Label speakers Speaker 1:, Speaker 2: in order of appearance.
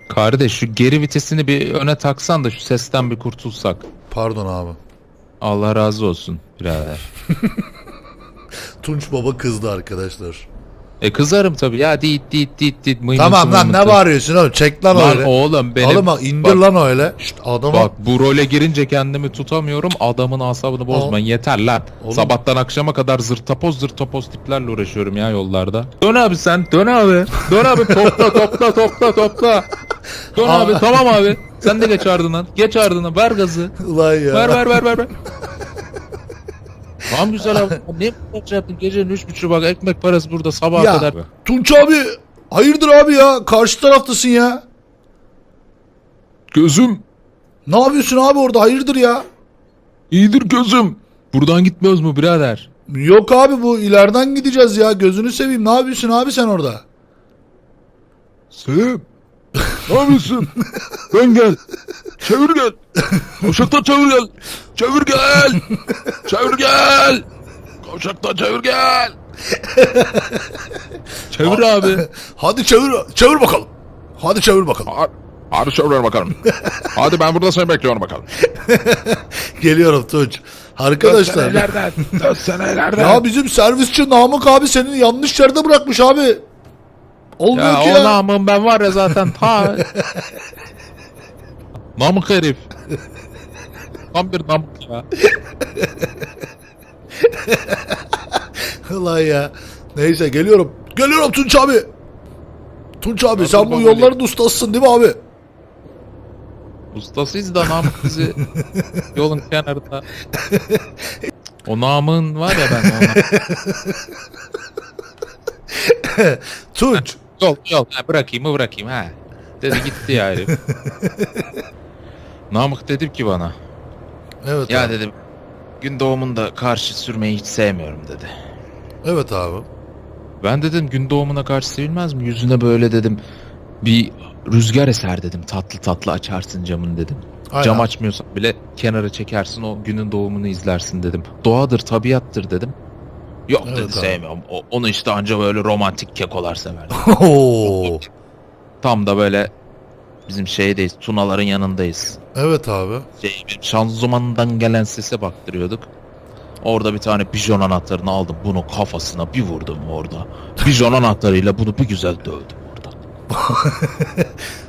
Speaker 1: Kardeş şu geri vitesini bir öne taksan da şu sesten bir kurtulsak.
Speaker 2: Pardon abi.
Speaker 1: Allah razı olsun birader.
Speaker 2: Tunç Baba kızdı arkadaşlar.
Speaker 1: Kızarım tabii ya, dit
Speaker 2: Tamam lan, ne bağırıyorsun oğlum? Çek lan
Speaker 1: Lan
Speaker 2: öyle.
Speaker 1: oğlum benim.
Speaker 2: Oğlum bak, indir lan öyle. Şşt adama.
Speaker 1: Bak bu role girince kendimi tutamıyorum. Adamın asabını bozmayın, yeter lan.
Speaker 2: Oğlum.
Speaker 1: Sabahtan akşama kadar zırtapoz tiplerle uğraşıyorum ya yollarda. Dön abi sen, dön abi. Dön abi, topla. Dön abi, tamam abi. Sen de geç ardından. Geç ardından, ver gazı.
Speaker 2: Ulan ya.
Speaker 1: Ver. Tamam güzel abi. Ne yaptın gecenin 3.30'u, bak ekmek parası burada sabaha
Speaker 2: Ya
Speaker 1: kadar.
Speaker 2: Tunç abi, hayırdır abi ya? Karşı taraftasın ya.
Speaker 1: Gözüm.
Speaker 2: Ne yapıyorsun abi orada? Hayırdır ya?
Speaker 1: İyidir gözüm. Buradan gitmiyoruz mu birader?
Speaker 2: Yok abi, bu ileriden gideceğiz ya. Gözünü seveyim. Ne yapıyorsun abi sen orada?
Speaker 1: Sevim. Ne yapıyorsun? Dön gel. Çevir gel. Kavşaktan çevir gel. Çevir gel. Kavşaktan çevir gel. Çevir abi.
Speaker 2: Hadi çevir bakalım. Hadi çevir bakalım.
Speaker 1: Hadi çevir bakalım. Hadi ben burada seni bekliyorum bakalım.
Speaker 2: Geliyorum Tunç. Arkadaşlar.
Speaker 1: Dönsene
Speaker 2: Ya bizim servisçi Namık abi seni yanlış yerde bırakmış abi. Olmuyor
Speaker 1: Ya
Speaker 2: ki
Speaker 1: o
Speaker 2: ya.
Speaker 1: namım ben var ya zaten ta. Namık herif. Tam bir namık ya.
Speaker 2: Ulan ya. Neyse geliyorum. Geliyorum Tunç abi. Tunç abi, sen bu
Speaker 1: bakalım.
Speaker 2: yolların ustasısın değil mi abi?
Speaker 1: Ustasıyız da Namık bizi yolun kenarında. O namın var ya, ben ona.
Speaker 2: Tunç.
Speaker 1: Yol. Ha, bırakayım ha. Dedi gitti ya herif. Namık dedim ki bana.
Speaker 2: Evet
Speaker 1: Ya
Speaker 2: abi.
Speaker 1: dedim, gün doğumunda karşı sürmeyi hiç sevmiyorum dedi.
Speaker 2: Evet abi.
Speaker 1: Ben dedim gün doğumuna karşı sevilmez mi? Yüzüne böyle dedim bir rüzgar eser dedim. Tatlı açarsın camını dedim.
Speaker 2: Aynen.
Speaker 1: Cam açmıyorsan bile kenara çekersin, o günün doğumunu izlersin dedim. Doğadır, tabiattır dedim. Yok
Speaker 2: Evet
Speaker 1: dedi,
Speaker 2: abi.
Speaker 1: sevmiyorum. Onu işte anca böyle romantik kekolar sever.
Speaker 2: Oo.
Speaker 1: Tam da böyle bizim şeydeyiz, Tunaların yanındayız.
Speaker 2: Evet abi.
Speaker 1: Şanzımandan gelen sese baktırıyorduk. Orada bir tane pijon anahtarını aldım. Bunu kafasına bir vurdum orada. Pijon anahtarıyla bunu bir güzel dövdüm orada.